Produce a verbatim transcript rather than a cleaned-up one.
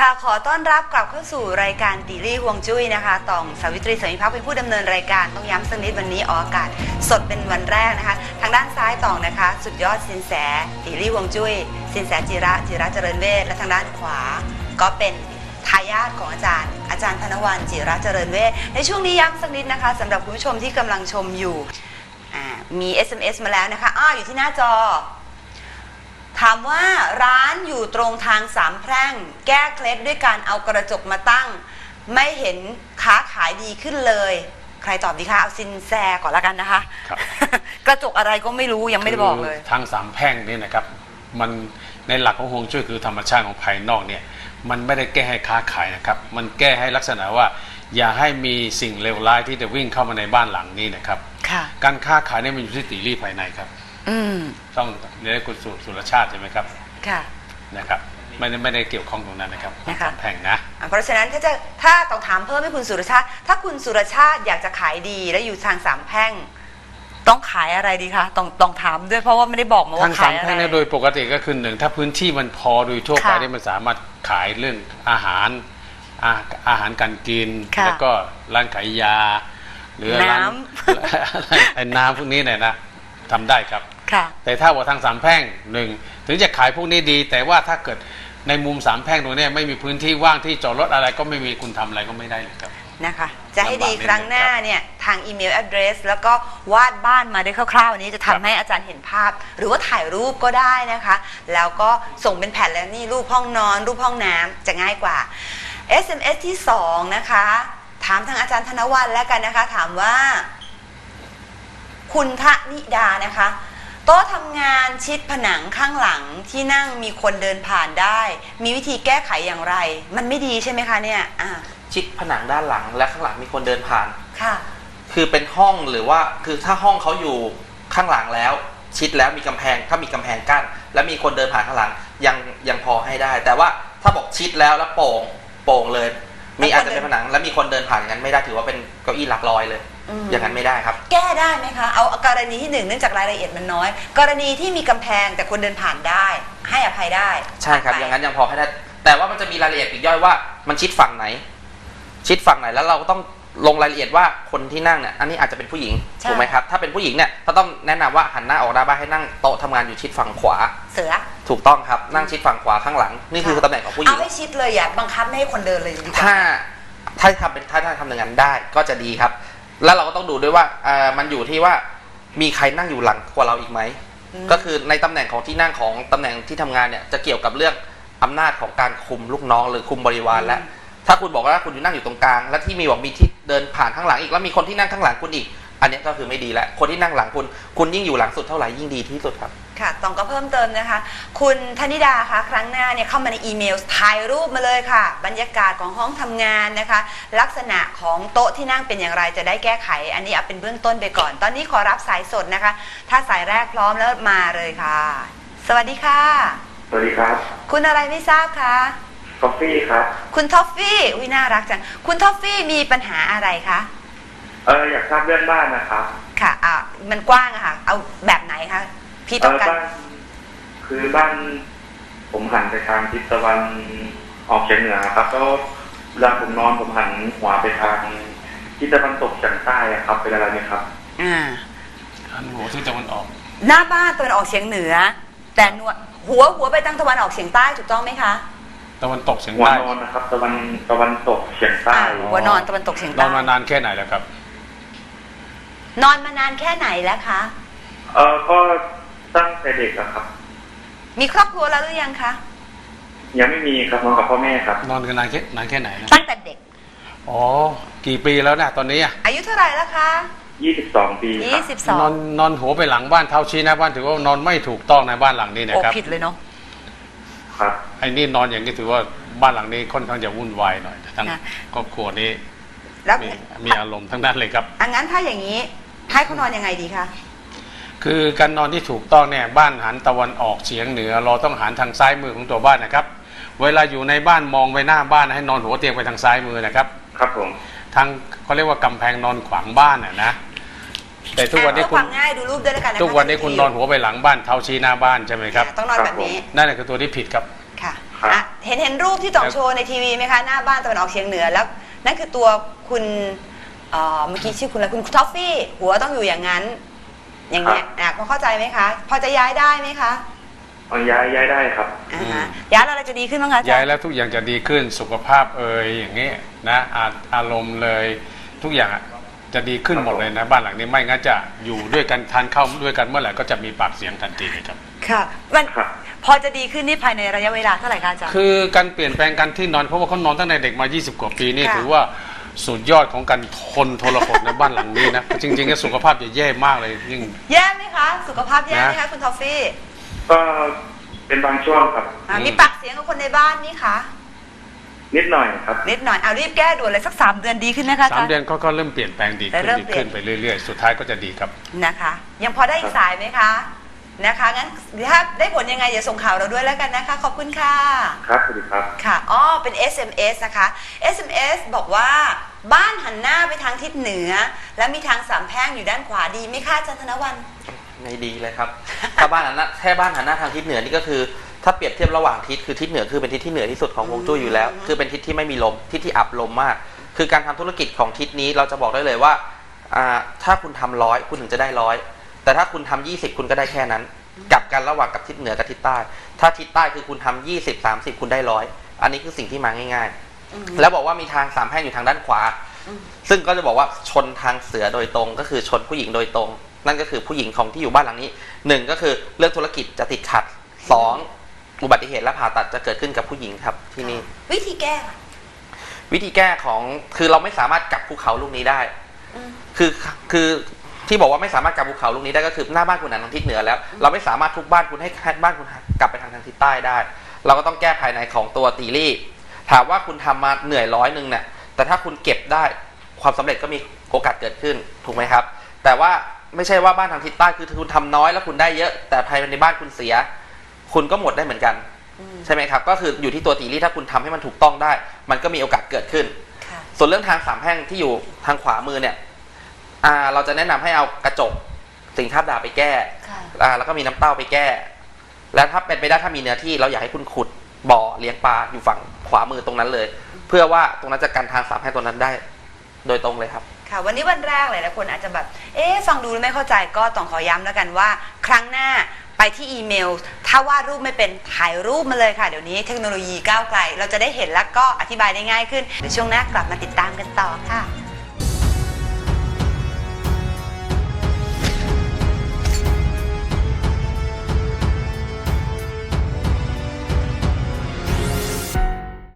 ค่ะขอต้อนรับกลับเข้าสู่รายการตีรี่ฮวงจุ้ยนะคะตองสาวิตรีสมิภักดิ์เป็นผู้ดำเนินรายการต้องย้ำสักนิดวันนี้ออกอากาศสดเป็นวันแรกนะคะทางด้านซ้ายตองนะคะสุดยอดสินแสตีรี่ฮวงจุ้ยสินแสจิระจิระเจริญเวชและทางด้านขวาก็เป็นทายาทของอาจารย์อาจารย์ธนวรรณจิระเจริญเวชในช่วงนี้ย้ำสักนิดนะคะสำหรับคุณผู้ชมที่กำลังชมอยู่มี เอส เอ็ม เอส มาแล้วนะคะอ้าวอยู่ที่หน้าจอถามว่าร้านอยู่ตรงทางสามแพร่งแก้เคล็ดด้วยการเอากระจกมาตั้งไม่เห็นค้าขายดีขึ้นเลยใครตอบดีคะเอาซินแซก่อนละกันนะคะครับ กระจกอะไรก็ไม่รู้ยังไม่ได้บอกเลยทางสามแพร่งนี่นะครับมันในหลักของฮวงจุ้ยคือธรรมชาติของภายนอกเนี่ยมันไม่ได้แก้ให้ค้าขายนะครับมันแก้ให้ลักษณะว่าอย่าให้มีสิ่งเลวร้ายที่จะวิ่งเข้ามาในบ้านหลังนี้นะครับการค้าขายเนี่ยมันอยู่ที่ตีรี่ภายในครับต้องเรียกคุณสุรชาติใช่ไหมครับค่ะนะครับไม่ได้ไม่ได้เกี่ยวข้องตรงนั้นนะครับสามแพร่งนะเพราะฉะนั้นถ้าจะถ้าต้องถามเพิ่มให้คุณสุรชาติถ้าคุณสุรชาติอยากจะขายดีและอยู่ทางสามแพร่งต้องขายอะไรดีคะต้องต้องถามด้วยเพราะว่าไม่ได้บอกมาว่าขายอะไรทางสามแพร่งเนี่ยโดยปกติก็คือหนึ่งถ้าพื้นที่มันพอโดยทั่วไปเนี่ยมันสามารถขายเรื่องอาหารอาหารการกินแล้วก็ร้านขายยาหรือร้านไอ้น้ำพวกนี้เนี่ยนะทำได้ครับแต่ถ้าว่าทางสามแพร่งหนึ่งถึงจะขายพวกนี้ดีแต่ว่าถ้าเกิดในมุมสามแพร่งตรงนี้ไม่มีพื้นที่ว่างที่จอดรถอะไรก็ไม่มีคุณทำอะไรก็ไม่ได้เลยครับนะคะจะให้ดีครั้งหน้าเนี่ยทางอีเมล address แล้วก็วาดบ้านมาได้คร่าวๆนี้จะทำให้อาจารย์เห็นภาพหรือว่าถ่ายรูปก็ได้นะคะแล้วก็ส่งเป็นแผ่นแล้วนี่รูปห้องนอนรูปห้องน้ำจะง่ายกว่า เอส เอ็ม เอส ที่สองนะคะถามทางอาจารย์ธนวรรณแล้วกันนะคะถามว่าคุณทนิดานะคะโต๊ะทำงานชิดผนังข้างหลังที่นั่งมีคนเดินผ่านได้มีวิธีแก้ไขอย่างไรมันไม่ดีใช่ไหมคะเนี่ยอ่าชิดผนังด้านหลังและข้างหลังมีคนเดินผ่านค่ะคือเป็นห้องหรือว่าคือถ้าห้องเขาอยู่ข้างหลังแล้วชิดแล้วมีกำแพงถ้ามีกำแพงกั้นแล้วมีคนเดินผ่านข้างหลังยังยังพอให้ได้แต่ว่าถ้าบอกชิดแล้วแล้วโป่งโป่งเลยมีอาจจะเป็นผนังแล้วมีคนเดินผ่านอย่างนั้นไม่ได้ถือว่าเป็นเก้าอี้หลักลอยเลยอย่างนั้นไม่ได้ครับแก้ได้ไหมคะเอากรณีที่หนึ่งเนื่องจากรายละเอียดมันน้อยกรณีที่มีกำแพงแต่คนเดินผ่านได้ให้อภัยได้ใช่ครับอย่างนั้นยังพอให้ได้แต่ว่ามันจะมีรายละเอียดอีกย่อยว่ามันชิดฝั่งไหนชิดฝั่งไหนแล้วเราก็ต้องลงรายละเอียดว่าคนที่นั่งเนี่ยอันนี้อาจจะเป็นผู้หญิงถูกไหมครับถ้าเป็นผู้หญิงเนี่ยก็ต้องแนะนำว่าหันหน้าออกหน้าบ้านให้นั่งโต๊ะทำงานอยู่ชิดฝั่งขวาเสือถูกต้องครับนั่งชิดฝั่งขวาข้างหลังนี่คือตำแหน่งของผู้หญิงเอาให้ชิดเลยอย่าบังคับไม่ให้คนเดินเลยดีกว่าถ้าถ้าทำเป็นถ้าถ้าทำอย่างนั้นได้ก็จะดีครับแล้วเราก็ต้องดูด้วยว่าเอ่อมันอยู่ที่ว่ามีใครนั่งอยู่หลังกว่าเราอีกไหมก็คือในตำแหน่งของที่นั่งของตำแหน่งที่ทำงานเนี่ยจะเกี่ยวกับเรื่องอำนาจของการคุมลูกน้องหรือคุมบริวารและถ้าคุณบอกว่าคุณอยู่นั่งอยู่ตรงกลางและที่มีบอกมีที่เดินผ่านข้างหลังอีกแล้วมีคนที่นั่งข้างหลังคุณอีกอันนี้ก็คือไม่ดีแล้วคนที่นั่งหลังคุณคุณยิ่งอยู่หลังสุดเท่าไหร่ยิ่งดีที่สุดครับค่ะต้องก็เพิ่มเติมนะคะคุณธนิดาคะครั้งหน้าเนี่ยเข้ามาในอีเมลถ่ายรูปมาเลยค่ะบรรยากาศของห้องทำงานนะคะลักษณะของโต๊ะที่นั่งเป็นอย่างไรจะได้แก้ไขอันนี้เอาเป็นเบื้องต้นไปก่อนตอนนี้ขอรับสายสดนะคะถ้าสายแรกพร้อมแล้วมาเลยค่ะสวัสดีค่ะสวัสดีครับคุณอะไรไม่ทราบคะทอฟฟี่ครับคุณทอฟฟี่อุ้ยน่ารักจังคุณทอฟฟี่มีปัญหาอะไรคะเอออยากทราบเรื่องบ้านนะครับค่ะอ่ะมันกว้างอะค่ะเอาแบบไหนคะพี่ต้องการคือบ้านผมหันไปทางทิศตะวันออกเฉียงเหนือครับแล้วเวลาผมนอนผมหันหัวไปทางทิศตะวันตกเฉียงใต้ครับเป็นอะไรไหมครับอ่าหันหัวทิศตะวันออกหน้าบ้านตะวันออกเฉียงเหนือแต่หัวหัวไปทางตะวันออกเฉียงใต้ถูกต้องไหมคะตะวันตกเฉียงใต้หัวนอนนะครับตะวันตะวันตกเฉียงใต้หัวนอนตะวันตกเฉียงใต้นอนมานานแค่ไหนแล้วครับนอนมานานแค่ไหนแล้วคะเออก็ตั้งแต่เด็กอะครับมีครอบครัวแล้วหรือยังคะยังไม่มีครับนอนกับพ่อแม่ครับนอนกันนานแค่นานแค่ไหนนะตั้งแต่เด็กอ๋อกี่ปีแล้วเนี่ยตอนนี้อะอายุเท่าไหร่แล้วคะยี่สิบสองปียี่สิบสองนอนนอนหัวไปหลังบ้านเท้าชี้หน้าบ้านถือว่านอนไม่ถูกต้องในบ้านหลังนี้นะครับโอ้ผิดเลยเนาะครับไอ้นี่นอนอย่างนี้ถือว่าบ้านหลังนี้ค่อนข้างจะวุ่นวายหน่อยทั้งครอบครัวนี้มีมีอารมณ์ทั้งนั้นเลยครับอังั้นถ้าอย่างนี้ให้เขานอนยังไงดีคะคือการนอนที่ถูกต้องเนี่ยบ้านหันตะวันออกเฉียงเหนือเราต้องหันทางซ้ายมือของตัวบ้านนะครับเวลาอยู่ในบ้านมองไปหน้าบ้านให้นอนหัวเตียงไปทางซ้ายมือนะครับครับผมทางเขาเรียกว่ากำแพงนอนขวางบ้านน่ะนะแต่ทุกวันนี้คุณง่ายดูรูปด้วยแล้วกันนะคะทุกวันนี้คุณนอนหัวไปหลังบ้านเท้าชี้หน้าบ้านใช่ไหมครับต้องนอนแบบนี้นั่นแหละคือตัวที่ผิดครับค่ะเห็นเห็นรูปที่ต่องโชว์ในทีวีไหมคะหน้าบ้านตะวันออกเฉียงเหนือแล้วนั่นคือตัวคุณเอ่อเมื่อกี้ชื่อคุณอะไรคุณท็อฟฟี่หัวต้องอยู่อย่างนั้น อย่างเงี้ยอ่ะพอเข้าใจไหมคะ พอจะย้ายได้ไหมคะอ๋อย้ายย้ายได้ครับอ่าฮะย้ายแล้วอะไรจะดีขึ้นบ้างคะอาจารย้ายย์แล้วทุกอย่างจะดีขึ้นสุขภาพเอ่ยอย่างนี้นะอาอารมณ์เลยทุกอย่างอะจะดีขึ้นหมดเลยนะบ้านหลังนี้ไม่งั้นจะอยู่ด้วยกันทานข้าวด้วยกันเมื่อไหร่ก็จะมีปากเสียงทันทีเลยครับค่ะมันครับพอจะดีขึ้นนี่ภายในระยะเวลาเท่าไหร่คะอาจารย์คือการเปลี่ยนแปลงการที่นอนเพราะว่าเขานอนตั้งแต่เด็กมา ยี่สิบ กว่าปีนี่ค่ะถือว่าสุดยอดของการทนทรหดในบ้านหลังนี้นะ จริงๆก็สุขภาพจะแย่มากเลยยิ่งแย่ไหมคะ สุขภาพแย่ไหมคะนะคุณทอฟฟี่ก็เป็นบางช่วงครับอ่ามีปากเสียงกับคนในบ้านนี่คะนิดหน่อยครับนิดหน่อยเอารีบแก้ด่วนเลยสักสามเดือนดีขึ้นนะคะอาสาจาม รย์เดือนก็ก็เริ่มเปลี่ยนแปลงดีขึ้นเริ่มดีเปลี่ยนขึ้นไปเรื่อยๆ สุดท้ายก็จะดีครับนะคะ ยังพอได้อีกสายไหมคะนะคะงั้นถ้าได้ผลยังไงอย่าส่งข่าวเราด้วยแล้วกันนะคะ ขอบคุณค่ะครับสวัสดีครับค่ะอ๋อเป็น เอส เอ็ม เอส นะคะ เอส เอ็ม เอส บอกว่าบ้านหันหน้าไปทางทิศเหนือ และมีทางสามแพร่งอยู่ด้านขวาดีไหมคะอาจารย์ธนวันไม่ดีเลยครับ ถ้าบ้านหันหน้าแค่บ้านหันหน้าทางทิศเหนือนี่ก็คือ ถ้าเปรียบเทียบระหว่างทิศคือทิศเหนือคือเป็นทิศที่เหนือที่สุดของฮวงจุ้ยอยู่แล้ว คือเป็นทิศที่ไม่มีลมทิศที่อับลมมาก คือการทำธุรกิจของทิศนี้เราจะบอกได้เลยว่าอ่าถ้าคุณทำร้อยคุณถึงจะได้ร้อยแต่ถ้าคุณทำยี่สิบคุณก็ได้แค่นั้นกลับกันระหว่างกับทิศเหนือกับทิศใต้ ถ้าทิศใต้คือคุณทำยี่สิบสามสิบคุณได้ร้อยอันนี้คือสิ่งที่มาง่าย ๆ แล้วบอกว่ามีทางสามแพร่งอยู่ทางด้านขวา ซึ่งก็จะบอกว่าชนทางเสือโดยตรงก็คือชนผู้หญิงโดยตรง นั่นก็คือผู้หญิงของที่อยู่บ้านหลังนี้หนึ่งก็คือเรื่องธุรกิจจะติดขัดสองอุบัติเหตุและผ่าตัดจะเกิดขึ้นกับผู้หญิงครับที่นี่วิธีแก้ค่ะวิธีแก้ของคือเราไม่สามารถกลับภูเขาลูกนี้ได้อืมคือคือที่บอกว่าไม่สามารถกลับภูเขาลูกนี้ได้ก็คือหน้าบ้านคุณหันทางทิศเหนือแล้ว เราไม่สามารถทุบบ้านคุณให้ให้บ้านคุณกลับไปทางทางทิศใต้ได้ เราก็ต้องแก้ภายในของตัวตีรี่ถามว่าคุณทำมาเหนื่อยร้อยหนึ่งเนี่ยแต่ถ้าคุณเก็บได้ความสำเร็จก็มีโอกาสเกิดขึ้นถูกไหมครับ แต่ว่าไม่ใช่ว่าบ้านทางทิศใต้คือคุณทำน้อยแล้วคุณได้เยอะ แต่ภายในบ้านคุณเสีย คุณก็หมดได้เหมือนกัน ใช่ไหมครับก็คืออยู่ที่ตัวตีรี่ถ้าคุณทำให้มันถูกต้องได้ มันก็มีโอกาสเกิดขึ้นค่ะส่วนเรื่องทางสามแพร่งที่อยู่ทางขวามือเนี่ยอ่าเราจะแนะนำให้เอากระจกสิ่งทาบดาบไปแก้ค่ะอ่าแล้วก็มีน้ำเต้าไปแก้ แล้วถ้าเป็นไปได้ถ้ามีเนื้อที่เราอยากให้คุณขุดบ่อเลี้ยงปลาอยู่ฝั่งขวามือตรงนั้นเลย เพื่อว่าตรงนั้นจะกันทางสามแพร่งตรงนั้นได้โดยตรงเลยครับค่ะวันนี้วันแรกเลยนะคนอาจจะแบบ เอ๊ะฟังดูแล้วไม่เข้าใจก็ต้องขอย้ำแล้วกันว่า ครั้งหน้าไปที่อีเมล ถ้าวาดรูปไม่เป็นถ่ายรูปมาเลยค่ะ เดี๋ยวนี้เทคโนโลยีก้าวไกล เราจะได้เห็นแล้วก็อธิบายได้ง่ายขึ้นเดี๋ยวช่วงหน้ากลับมาติดตามกันต่อค่ะ